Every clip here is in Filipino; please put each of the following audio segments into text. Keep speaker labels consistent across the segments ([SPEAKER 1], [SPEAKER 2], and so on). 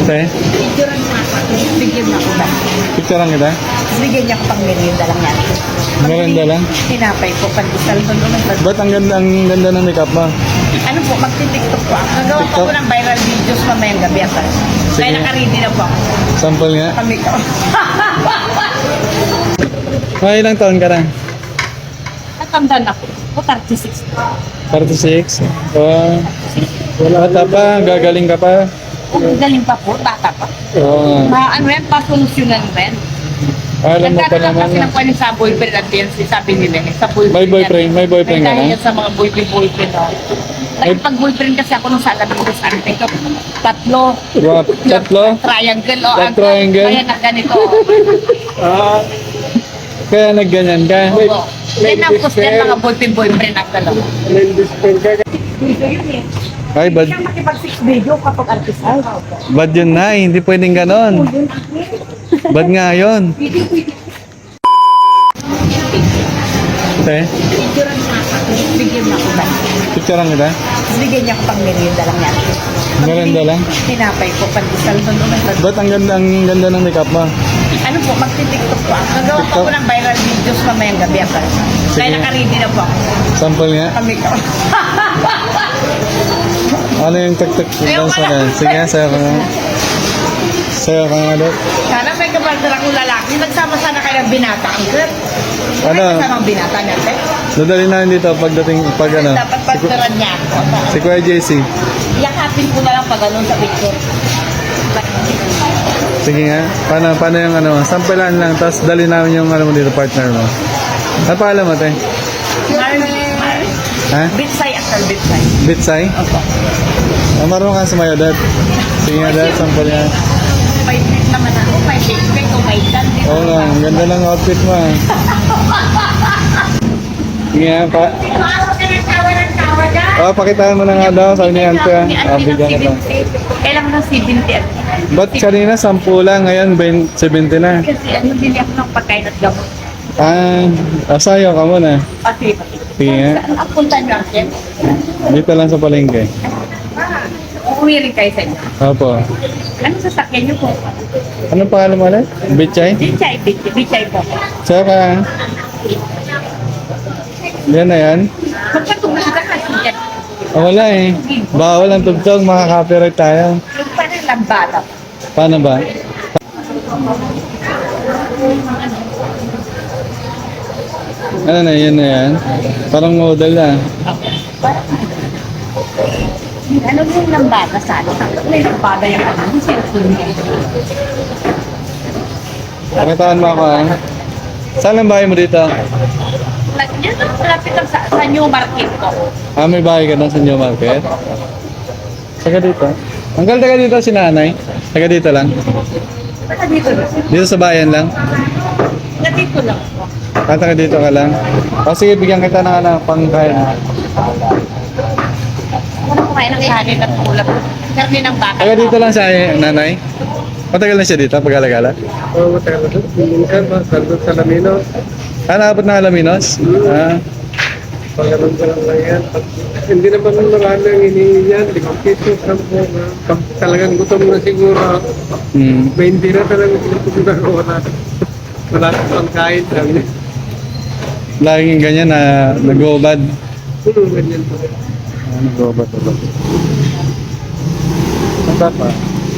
[SPEAKER 1] Te,
[SPEAKER 2] Picturean mo ako. Bigyan mo ako ba?
[SPEAKER 1] picturean kita.
[SPEAKER 2] Tapos bigyan niya ako pang merienda lang yan.
[SPEAKER 1] Merienda lang?
[SPEAKER 2] Tinapay ko, pandesal ko doon.
[SPEAKER 1] Ba't ang ganda ng makeup mo?
[SPEAKER 2] Ano po, magti-tiktok po ako. Nagawa pa
[SPEAKER 1] TikTok?
[SPEAKER 2] ko ng viral videos mamayang gabi ako.
[SPEAKER 1] Sige.
[SPEAKER 2] Kaya naka-ready na po ako.
[SPEAKER 1] Sample nga.
[SPEAKER 2] Kami ko.
[SPEAKER 1] May ilang taon ka na?
[SPEAKER 2] Natandaan ako. O 36.
[SPEAKER 1] 36? Oh, wala ka pa, gagaling ka pa.
[SPEAKER 2] Kung galing pa po, bata pa.
[SPEAKER 1] Oo.
[SPEAKER 2] Ano yan, pasolusyonan rin.
[SPEAKER 1] Alam mo pa
[SPEAKER 2] Nagkataon
[SPEAKER 1] naman
[SPEAKER 2] kasi ng kwento sa boyfriend at yan, sabi nila eh, sa boyfriend.
[SPEAKER 1] May boyfriend,
[SPEAKER 2] yan.
[SPEAKER 1] may boyfriend ka
[SPEAKER 2] Dahil
[SPEAKER 1] na?
[SPEAKER 2] yan sa mga boyfriend. Oh. Nagpag-boyfriend kasi ako nung sa Alabinos, ano ito, tatlo.
[SPEAKER 1] Wow, tatlo?
[SPEAKER 2] Triangle, o.
[SPEAKER 1] That triangle?
[SPEAKER 2] Kaya nagganito.
[SPEAKER 1] Ah, kaya nagganyan ka?
[SPEAKER 2] Oo. Yan ang gusto yan, mga boyfriend at dalawa.
[SPEAKER 1] Ay, bad,
[SPEAKER 2] Siyang makipag-six video kapag artisal.
[SPEAKER 1] bad yun na, hindi pwedeng ganon. Bad nga yun. Te,
[SPEAKER 2] Picturean mo ako. Bigyan mo ako ba?
[SPEAKER 1] picturean kita.
[SPEAKER 2] Tapos bigyan niya ako pang merienda lang yan.
[SPEAKER 1] Merienda lang?
[SPEAKER 2] Tinapay ko, pandesal ko doon.
[SPEAKER 1] Ba't ang ganda ng makeup mo?
[SPEAKER 2] Ano po, magti-tiktok po ako. Nagawa pa ko
[SPEAKER 1] TikTok?
[SPEAKER 2] ng viral videos mamayang gabi ako.
[SPEAKER 1] Sige.
[SPEAKER 2] Kaya naka-ready na po ako.
[SPEAKER 1] Sample nga.
[SPEAKER 2] Kami ko.
[SPEAKER 1] Ano yung tuk-tuk doon sa na? Sige, sayo ka nga. Sayo ka nga doon.
[SPEAKER 2] Sana may kapartner akong lalaki. Nagsama sana kayo ng binata ang sir.
[SPEAKER 1] Ano?
[SPEAKER 2] May kasamang binata natin.
[SPEAKER 1] Dadali namin dito pagdating, pag ano.
[SPEAKER 2] Dapat partneran niya ako.
[SPEAKER 1] Si Kuya JC.
[SPEAKER 2] Yakapin ko na lang pag ganun sa picture.
[SPEAKER 1] Sige nga. Paano yung ano, sampelan lang, tapos dali namin yung ano mo dito, partner mo. Ano pa alam mo, te? Ha?
[SPEAKER 2] Bitsay akal, bitsay.
[SPEAKER 1] Bitsay?
[SPEAKER 2] Opo.
[SPEAKER 1] Ah, marunong ka sumayo, dad. Sige nga, dad, sample nga.
[SPEAKER 2] May bit naman ako. May bit ko, may dan.
[SPEAKER 1] Oo nga, ang ganda ng outfit mo. Ah. Sige nga, pakitaan mo na nga daw, sabi ni Ante. Bigyan ka lang.
[SPEAKER 2] Kailangan ng 70.
[SPEAKER 1] Ba't kanina 10 lang, ngayon 70 na?
[SPEAKER 2] Kasi ano, bili ako ng pagkain at gamot.
[SPEAKER 1] Sayo ka muna.
[SPEAKER 2] Pati.
[SPEAKER 1] Sige nga,
[SPEAKER 2] Ang punta nyo ako.
[SPEAKER 1] dito lang sa palengke.
[SPEAKER 2] Uuwi rin kayo sa inyo.
[SPEAKER 1] Opo.
[SPEAKER 2] Ano sasakyan nyo po?
[SPEAKER 1] Anong pangalan mo ulit? Bichay?
[SPEAKER 2] Bichay po.
[SPEAKER 1] Sayo ka. Yan na yan.
[SPEAKER 2] Magkatulog ka kasi yan.
[SPEAKER 1] Wala eh. Bawal ang tugtog, makaka-copyright tayo.
[SPEAKER 2] Yung parang lambada.
[SPEAKER 1] Paano ba? Ano na, yan na yan. Parang model na.
[SPEAKER 2] Ano yung lambada sa ano? May lambada yung ano? Yung cellphone niya.
[SPEAKER 1] Pakitaan mo ako ha. Saan ang bahay mo dito?
[SPEAKER 2] Yan ang malapit lang sa new market ko.
[SPEAKER 1] May bahay ka na sa New Market? Taga dito? Hanggang taga dito si nanay? Taga dito lang?
[SPEAKER 2] Basta dito lang.
[SPEAKER 1] Dito sa bayan lang?
[SPEAKER 2] Basta dito lang.
[SPEAKER 1] Taga dito ka lang? O sige, bigyan kita ng ano, pangkain.
[SPEAKER 2] Ano kumain ng kanin at ulap? Karni ng baka.
[SPEAKER 1] Taga dito lang siya, nanay? Matagal na siya dito, pag-alagala?
[SPEAKER 3] Oo, matagal na doon. Minsan, sandot sa Lamino.
[SPEAKER 1] Naabot na Alaminos?
[SPEAKER 3] Pagkaroon ko lang yan. Hindi naman marami ang hinihingi yan. 5 pesos, 10. Pag talagang gutom na siguro,
[SPEAKER 1] Hmm.
[SPEAKER 3] 20 na talagang gutom na ako. Wala sa pangkain. Sabi niya.
[SPEAKER 1] Laging ganyan na nag-ubad.
[SPEAKER 3] Ganyan po.
[SPEAKER 1] Nag-ubad talaga. Ang tapa.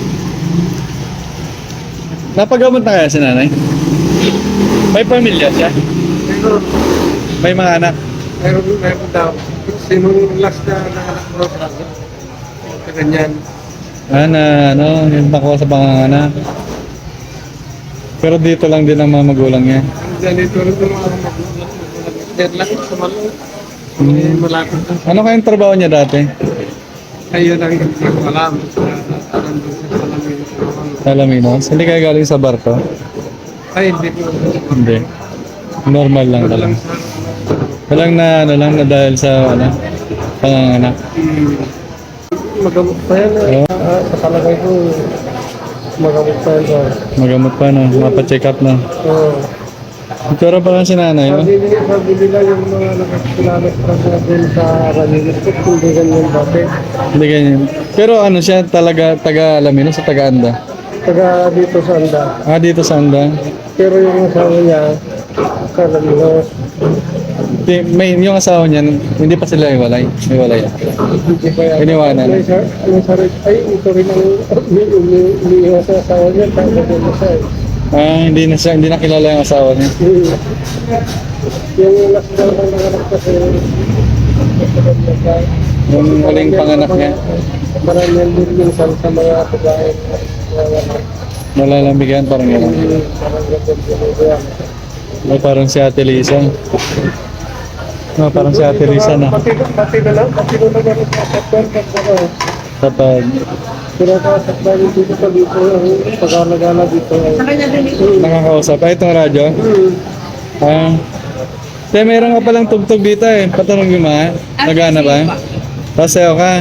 [SPEAKER 1] Napagamot na kaya si nanay? May pamilya siya?
[SPEAKER 3] Pero,
[SPEAKER 1] May mga anak?
[SPEAKER 3] meron daw. Sinong last na nanganak mo sa ganyan.
[SPEAKER 1] Yung nakuha sa panganganak. Pero dito lang din ang mga magulang niya.
[SPEAKER 3] Ganito rin yung mga magulang. Diyan lang sa malo. Malapit na.
[SPEAKER 1] Ano kayong trabaho niya dati?
[SPEAKER 3] Ayun ang hindi ko alam. Nandun sa Lamino.
[SPEAKER 1] Sa Alaminos? Hindi kayo galing sa barko?
[SPEAKER 3] Ay, hindi ko.
[SPEAKER 1] Hindi. Normal lang talaga. Walang na dahil sa panganganak.
[SPEAKER 3] Magamot pa yan. Sa kalagay ko, magamot pa yan.
[SPEAKER 1] Magamot pa no, mapacheck up na.
[SPEAKER 3] Oo.
[SPEAKER 1] Pero pa lang si nanay, no?
[SPEAKER 3] Sabi nila yung mga nakakilala sa dun sa Ranilip ko, hindi ganyan dati.
[SPEAKER 1] Hindi ganyan. Pero ano siya talaga, taga Alamino sa taga-Anda?
[SPEAKER 3] Taga dito sa Anda.
[SPEAKER 1] Ah, dito sa Anda.
[SPEAKER 3] Pero yung asawa niya, Carlos,
[SPEAKER 1] May, yung asawa niya, hindi pa sila iwalay. Iwalay.
[SPEAKER 3] hindi pa yan.
[SPEAKER 1] Iniwanan.
[SPEAKER 3] May sarili, ay, ito rin ang umiiwas sa asawa niya, tapos din siya.
[SPEAKER 1] Ah, hindi na kilala yung asawa niya.
[SPEAKER 3] Yung last daw ng nanganak kasi,
[SPEAKER 1] Yung huling panganak niya,
[SPEAKER 3] marami din minsan sa mga babae.
[SPEAKER 1] malalambigan parang gano'n.
[SPEAKER 3] Parang ganyan.
[SPEAKER 1] Ay, parang si Ate Lisa. No, parang si Ate Lisa na.
[SPEAKER 3] Pati na lang sa sakwan kasi
[SPEAKER 1] Kapag
[SPEAKER 3] pero kasakban dito sa dito ang pag-alagala dito.
[SPEAKER 2] Sa kanya din.
[SPEAKER 1] nakakausap. Ay, itong radyo. Ah. Te, meron ka palang tugtog dito eh. Patanong yung mga. Nagana ba? Pasayo ka.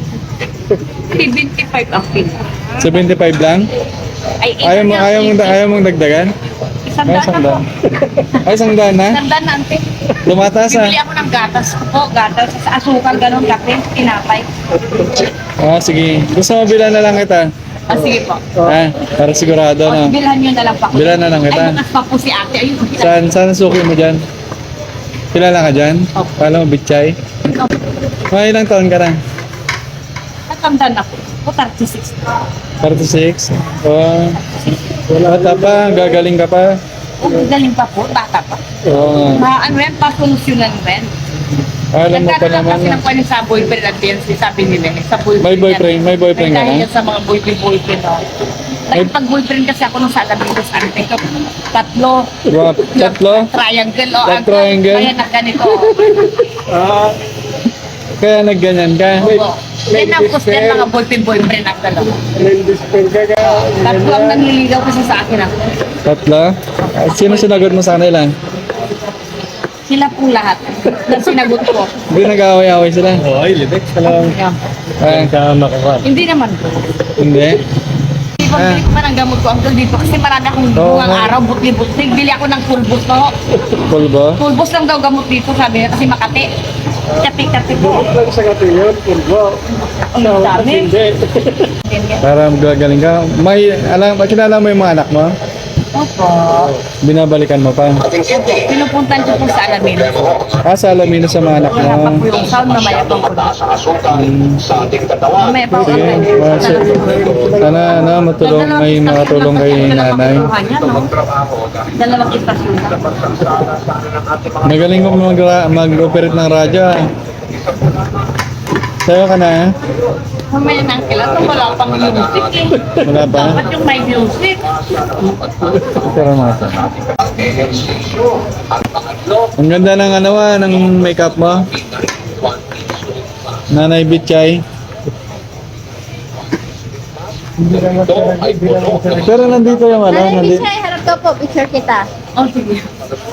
[SPEAKER 2] 75 ang pin.
[SPEAKER 1] 75 lang?
[SPEAKER 2] Ay,
[SPEAKER 1] Ayaw mong dagdagan?
[SPEAKER 2] Isang
[SPEAKER 1] Ay,
[SPEAKER 2] daan na po.
[SPEAKER 1] Ay, isang daan na?
[SPEAKER 2] Isang daan na, ante.
[SPEAKER 1] Lumataas ah.
[SPEAKER 2] Bibili ako ng gatas po, gatas sa asukal, ganun, kape, tinapay.
[SPEAKER 1] Ah, sige. Gusto mo bilan na lang kita?
[SPEAKER 2] Ah, sige po.
[SPEAKER 1] Ah, para sigurado
[SPEAKER 2] O,
[SPEAKER 1] na.
[SPEAKER 2] bilhan nyo na lang po.
[SPEAKER 1] Bilhan na lang kita.
[SPEAKER 2] Ay, bukas pa po si ate. Ayun,
[SPEAKER 1] Saan ang suki mo dyan? Kilala ka dyan?
[SPEAKER 2] Opo.
[SPEAKER 1] Kala mo bitchay? Mga ilang taon ka na?
[SPEAKER 2] Natanda na po. O, 36.
[SPEAKER 1] 36? Oh, bata pa, gagaling ka pa.
[SPEAKER 2] O, galing pa po, bata pa.
[SPEAKER 1] Oo.
[SPEAKER 2] Ano yan, pasolusyonan mo yan.
[SPEAKER 1] Alam mo pa
[SPEAKER 2] Nagkakaroon
[SPEAKER 1] naman.
[SPEAKER 2] kasi ng pwede sa boyfriend at fiancé, sabi nila. Sa boyfriend.
[SPEAKER 1] May boyfriend, may boyfriend ka
[SPEAKER 2] Dahil
[SPEAKER 1] na?
[SPEAKER 2] yan sa mga boyfriend. Oh. Pag-boyfriend kasi ako nung sa Alaminos, ante ko, tatlo.
[SPEAKER 1] Wow, tatlo?
[SPEAKER 2] Triangle, o.
[SPEAKER 1] That triangle?
[SPEAKER 2] Kaya nagganito.
[SPEAKER 3] Ah,
[SPEAKER 1] Kaya nagganyan ka?
[SPEAKER 2] Oo. Yan ang gusto yan, mga boyfriend ang dalawa.
[SPEAKER 3] nandisper ka ka.
[SPEAKER 2] Tatlo ang nanliligaw kasi sa akin ako.
[SPEAKER 1] Tatlo? Ah, sino sinagot mo sa kanila?
[SPEAKER 2] Sila po lahat na sinagot ko.
[SPEAKER 1] Hindi nag-away-away sila?
[SPEAKER 3] Ay, libek ka lang.
[SPEAKER 2] Yan.
[SPEAKER 1] Ah,
[SPEAKER 3] Ka makakuha.
[SPEAKER 2] Hindi naman po.
[SPEAKER 1] hindi?
[SPEAKER 2] Di ba bili ko pa ng gamot ko uncle dito kasi marami akong
[SPEAKER 1] Oo,
[SPEAKER 2] buwang
[SPEAKER 1] nga.
[SPEAKER 2] araw, butli-butli. Bili ako ng pulbos po.
[SPEAKER 1] Pulbo?
[SPEAKER 2] Pulbos lang daw gamot dito, sabi niya kasi Makati. Kati-kati po.
[SPEAKER 3] Lang sa katiyon, purbo.
[SPEAKER 2] Ang dami.
[SPEAKER 3] Hindi.
[SPEAKER 1] Para gagaling ka. Kilala mo yung mga anak mo?
[SPEAKER 2] Opo.
[SPEAKER 1] Binabalikan mo pa?
[SPEAKER 2] Pinupuntan ko po sa Alamino.
[SPEAKER 1] Ah, sa Alamino sa mga anak mo.
[SPEAKER 2] Hinapak ko yung sound, mamaya pang ko. Mamaya pang ko.
[SPEAKER 1] Ah, sana matulong, may makatulong kay nanay.
[SPEAKER 2] Dalawang istasyon na.
[SPEAKER 1] Magaling mo mag-operate ng radyo ah. Sayo ka na ah.
[SPEAKER 2] Mamaya nang kailan ito, wala pang music eh.
[SPEAKER 1] Wala pa?
[SPEAKER 2] Dapat yung may music.
[SPEAKER 1] Pero mga to. Ang ganda ng ng makeup mo. Nanay Bitchay. Pero nandito yung
[SPEAKER 4] Nanay,
[SPEAKER 1] nandito.
[SPEAKER 4] Bishay, harap ka po. Picture kita.
[SPEAKER 2] Oh, sige.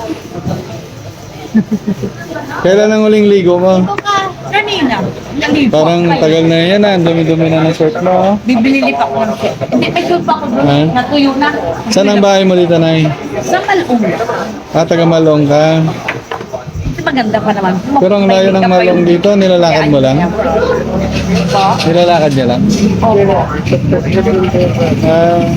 [SPEAKER 1] Kailan ang huling ligo mo?
[SPEAKER 4] Ito ka.
[SPEAKER 2] Kanina. Kanina.
[SPEAKER 1] Parang tagal na yan ah. Ang dumi-dumi na ng shirt mo. Oh.
[SPEAKER 2] Bibili pa ako ng shirt. Hindi, may shirt pa ako doon.
[SPEAKER 1] Ha?
[SPEAKER 2] Natuyo na.
[SPEAKER 1] Saan ang bahay mo dito, Nay?
[SPEAKER 2] Sa Malong.
[SPEAKER 1] Ah, taga Malong ka.
[SPEAKER 2] Kasi maganda pa naman.
[SPEAKER 1] Pero ang layo ng Malong dito, nilalakad mo lang?
[SPEAKER 2] Ito?
[SPEAKER 1] Nilalakad niya lang?
[SPEAKER 2] Opo.
[SPEAKER 1] Ah,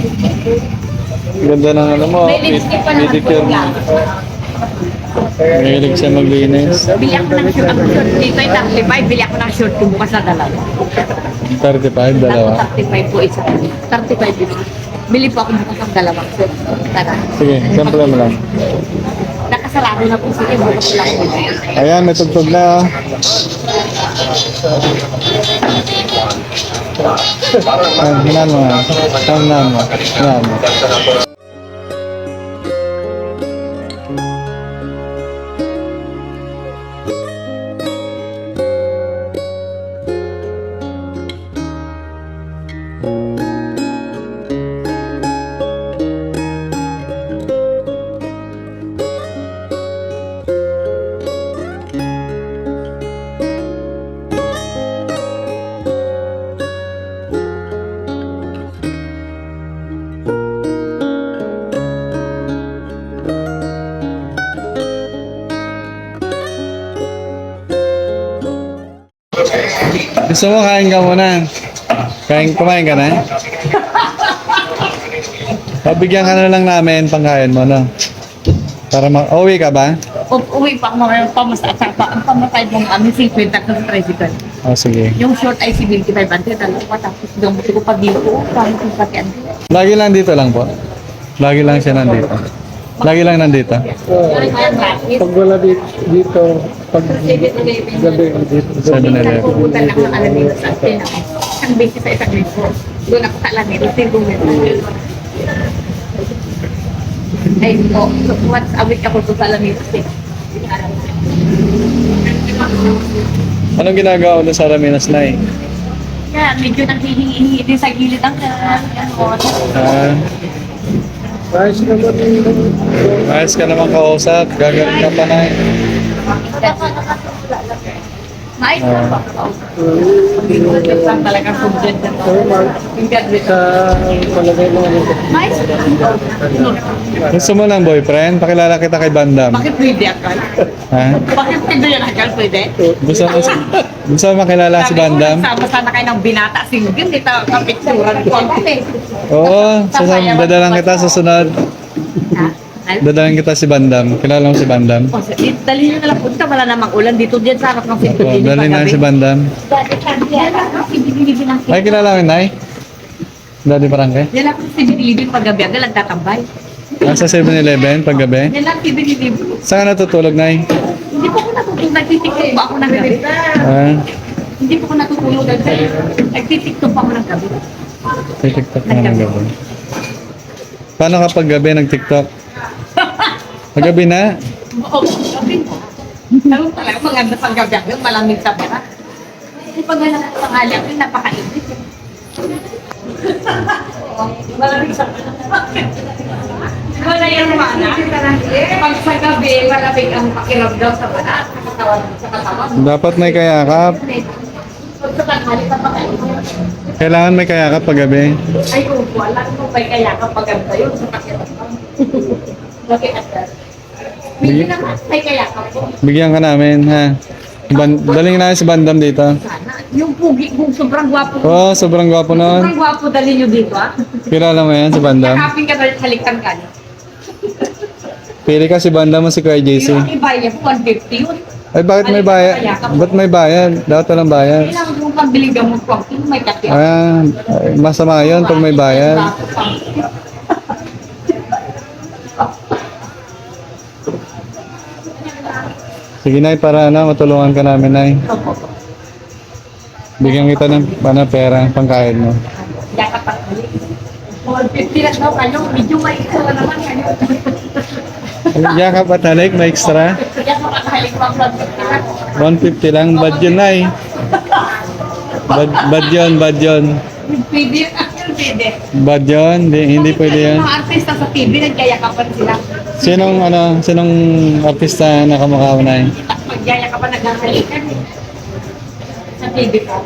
[SPEAKER 1] ganda ng mo.
[SPEAKER 2] May lipstick pa naman po
[SPEAKER 1] Pedicure.
[SPEAKER 2] yan.
[SPEAKER 1] Mahilig siya maglinis.
[SPEAKER 2] Bili ako ng shirt. Ang shirt dito ay 35. Bili ako ng shirt ko bukas na dalawa.
[SPEAKER 1] 35, dalawa.
[SPEAKER 2] Ako 35 po isa. 35 isa. Bili po ako bukas ng dalawang shirt. Tara.
[SPEAKER 1] Sige, sample mo lang.
[SPEAKER 2] Nakasarado na po sige. Bukas lang po.
[SPEAKER 1] Ayan, may tugtog na. Oh. Hinan mo nga. Hinan mo. Hinan mo. Gusto Gusto mo, kain ka muna. Kumain ka na? Pabigyan ka na lang namin pangkain mo, no? Para uwi ka ba?
[SPEAKER 2] Uwi pa ako ngayon, ang pamatay mong 50 sa tricycle.
[SPEAKER 1] Oh, sige.
[SPEAKER 2] Yung short ay 75 ante, dalawa tapos yung ko pa dito, parang kung sakyan.
[SPEAKER 1] Lagi lang dito lang po. Lagi lang siya nandito. Lagi lang nandito.
[SPEAKER 3] Pag wala dito, pag gabi dito.
[SPEAKER 1] 7-Eleven.
[SPEAKER 2] Pupunta lang ng Alameda sa atin. Isang beses sa isang linggo. Doon ako sa Alameda, tingong meron. Ay, once a week ako doon sa Alameda.
[SPEAKER 1] Anong ginagawa mo doon sa Raminas, Nay?
[SPEAKER 2] Kaya medyo nanghihingi din sa gilid ang ano.
[SPEAKER 1] Ah,
[SPEAKER 3] Ayos naman yung
[SPEAKER 1] ayos ka naman kausap. Gagaling ka pa, Nay.
[SPEAKER 2] Mais na ba? Ang talagang subject na to. Yung graduate.
[SPEAKER 3] sa palagay mo.
[SPEAKER 2] Mais?
[SPEAKER 1] Gusto mo ng boyfriend? Pakilala kita kay Bandam.
[SPEAKER 2] Bakit pwede akal?
[SPEAKER 1] Ha?
[SPEAKER 2] Bakit pwede yan akal? Pwede?
[SPEAKER 1] Gusto mo makilala si Bandam?
[SPEAKER 2] Sama sana kayo ng binata single. Hindi tayo kapitsuran ko.
[SPEAKER 1] Oo, dadalang kita susunod.
[SPEAKER 2] Ha? Ano?
[SPEAKER 1] Dadalang kita si Bandam. Kilala mo si Bandam?
[SPEAKER 2] O, dali nyo nalang punta. Wala namang ulan dito dyan sa harap ng
[SPEAKER 1] Oo,
[SPEAKER 2] pinto.
[SPEAKER 1] dali na si Bandam.
[SPEAKER 2] Binilibin ang
[SPEAKER 1] Ay, kilala mo yun, Nay? Daddy Parangke?
[SPEAKER 2] yan lang si binilibin paggabi. Ang nagtatambay.
[SPEAKER 1] Nasa 7-Eleven paggabi?
[SPEAKER 2] Yan lang si binilibin.
[SPEAKER 1] Saan ka natutulog, Nay?
[SPEAKER 2] Hindi po ako natutulog. Nagtitiktok ba ako ng gabi?
[SPEAKER 1] Ah,
[SPEAKER 2] Hindi po ako natutulog ng gabi. Nagtitiktok pa ako ng gabi.
[SPEAKER 1] TikTok na ng gabi. Paano kapag gabi nag-TikTok? Paggabi na?
[SPEAKER 2] Oo, gabi na. Pero talaga maganda pang gabi. Malamig sa bara. Kasi pag wala ng pangali ako, napakainit. Malamig sa bara. Wala yung mana. Pag sa gabi, malamig ang pakiramdam sa bara. Sa katawan.
[SPEAKER 1] Dapat may kayakap.
[SPEAKER 2] Pag sa tanghali, napakainit.
[SPEAKER 1] Kailangan may kayakap paggabi.
[SPEAKER 2] Ay, kung wala mo may kaya kapag ganda yun sa pakiramdam. Bakit atas? Hindi naman, may kaya ka po.
[SPEAKER 1] Bigyan ka namin, ha? Daling na si Bandam dito.
[SPEAKER 2] Sana. Yung pugi, kung sobrang gwapo.
[SPEAKER 1] Oo, sobrang gwapo
[SPEAKER 2] Sobrang
[SPEAKER 1] noon.
[SPEAKER 2] gwapo dali nyo dito, ah.
[SPEAKER 1] Kilala mo yan, si Bandam?
[SPEAKER 2] Nakapin ka dahil halikan ka niya.
[SPEAKER 1] Pili ka si Bandam mo si Kuya JC.
[SPEAKER 2] Yung iba niya, 150 yun.
[SPEAKER 1] Ay, bakit may bayad? Ba't may bayad? Dapat walang bayad.
[SPEAKER 2] Kailangan mong pambili gamot ko. May kati.
[SPEAKER 1] Ah, masama yun pag may bayad. Sige, Nay, para matulungan ka namin, Nay. Bigyan kita ng pera, pangkain mo.
[SPEAKER 2] Yakap at halik. 150 lang daw kayo. Medyo may ito naman kayo.
[SPEAKER 1] Yakap at halik, may extra.
[SPEAKER 2] Yakap at halik pang
[SPEAKER 1] 150 lang, bad yun, Nay. Bad yun, bad yun.
[SPEAKER 2] Pwede yun. Actually, pwede.
[SPEAKER 1] Bad yun, hindi pwede yan.
[SPEAKER 2] Mga artista sa TV, nagkayakapan sila.
[SPEAKER 1] Sinong artista na kamukha mo, Nay?
[SPEAKER 2] Magyayakapan, naghahalikan. Sa TV ko.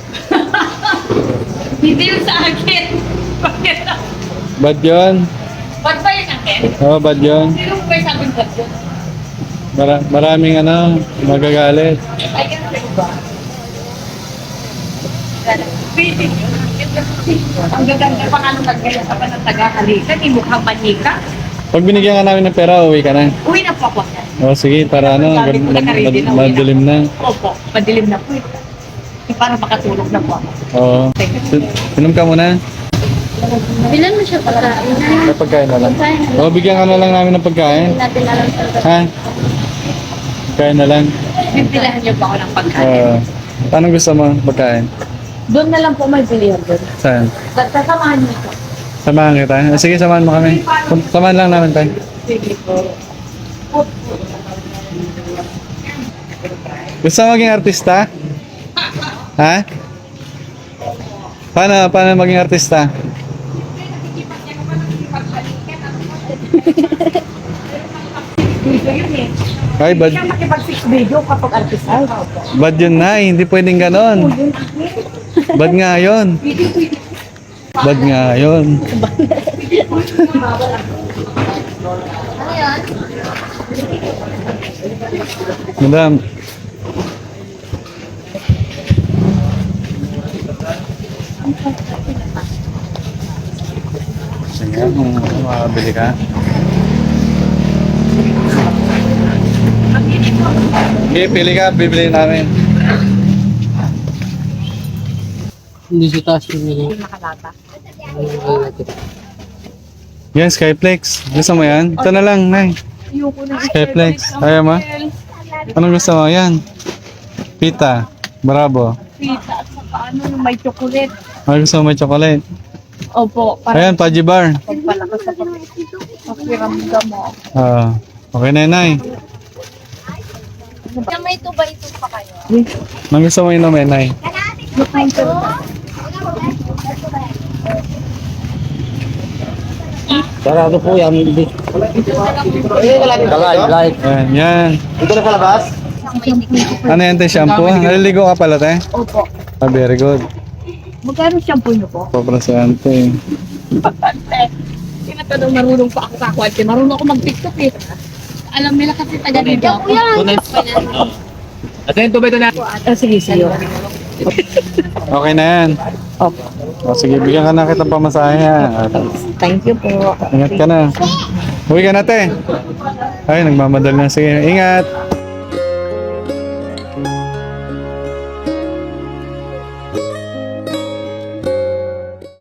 [SPEAKER 2] Hindi yun sa akin. Bakit?
[SPEAKER 1] Bad yun?
[SPEAKER 2] Ba't ba yun akin?
[SPEAKER 1] Oo, bad yun.
[SPEAKER 2] Sino ba yung sabi ba't yun?
[SPEAKER 1] Maraming magagalit.
[SPEAKER 2] Ay, ganun ba? Pwede yun. Ang gaganda, paano nagyayakapan ng taga-halikan? Hindi mukhang manika.
[SPEAKER 1] Pag binigyan ka namin ng pera, uwi ka na.
[SPEAKER 2] Uwi na po ako.
[SPEAKER 1] O sige, para madilim na.
[SPEAKER 2] Opo, madilim na po. Para makatulog na po ako.
[SPEAKER 1] Oo. Inom ka muna.
[SPEAKER 4] Bilan mo siya pagkain.
[SPEAKER 1] May pagkain na lang. O, bigyan ka na lang namin ng pagkain.
[SPEAKER 4] Hindi natin alam sa
[SPEAKER 1] Ha? Pagkain na lang.
[SPEAKER 2] Bibilahan niyo ba ako ng pagkain?
[SPEAKER 1] Anong gusto mo pagkain?
[SPEAKER 2] Doon na lang po may bilihan doon.
[SPEAKER 1] Saan?
[SPEAKER 2] Sasamahan niyo ito.
[SPEAKER 1] Samahan kita. Sige, samahan mo kami. Samahan lang namin tayo.
[SPEAKER 2] Sige po.
[SPEAKER 1] Gusto mo maging artista? Ha? Paano maging artista?
[SPEAKER 2] Dito yun eh.
[SPEAKER 1] Ay,
[SPEAKER 2] Hindi ka makipag-six video kapag artista.
[SPEAKER 1] bad yun na. Hindi pwedeng ganon. Bad nga yun. Bad nga yun.
[SPEAKER 4] Ano yun?
[SPEAKER 1] Madam. Sige, kung makabili ka. Okay, pili ka, bibili namin.
[SPEAKER 3] Hindi sa taas yung
[SPEAKER 1] Yan, Skyflex. Gusto mo yan? Ito na lang, Nay. Skyflex. Ayaw mo? Anong gusto mo? Yan. Pita. Bravo.
[SPEAKER 2] Pita at saka ano, yung may chocolate.
[SPEAKER 1] Ano gusto mo may chocolate?
[SPEAKER 2] Opo, para
[SPEAKER 1] Ayan, Paji Bar.
[SPEAKER 2] pagpalakas sa pakiramdam mo.
[SPEAKER 1] Okay na, Nay.
[SPEAKER 4] May tuba-ito pa kayo.
[SPEAKER 1] Anong gusto mo inumin, Nay?
[SPEAKER 3] Sarado po yan. Light.
[SPEAKER 1] Ayan, yan.
[SPEAKER 3] Dito na sa labas?
[SPEAKER 1] Ano yan, te? Shampoo? Naliligo ka pala, te?
[SPEAKER 2] Opo.
[SPEAKER 1] Very good.
[SPEAKER 2] Magkano shampoo niyo po?
[SPEAKER 1] Paprasante.
[SPEAKER 2] Tinatanong marunong pa ako sa kwante. Marunong ako mag-tiktok eh. Alam nila kasi taga dito.
[SPEAKER 3] At yung tubay ito na.
[SPEAKER 2] Sige, sige.
[SPEAKER 1] Okay na yan.
[SPEAKER 2] Opo.
[SPEAKER 1] O, sige, bigyan ka na kitang pamasahe, ha?
[SPEAKER 2] Thank you po.
[SPEAKER 1] Ingat ka na. Uwi ka na, te. Ay, nagmamadal na. Sige, ingat.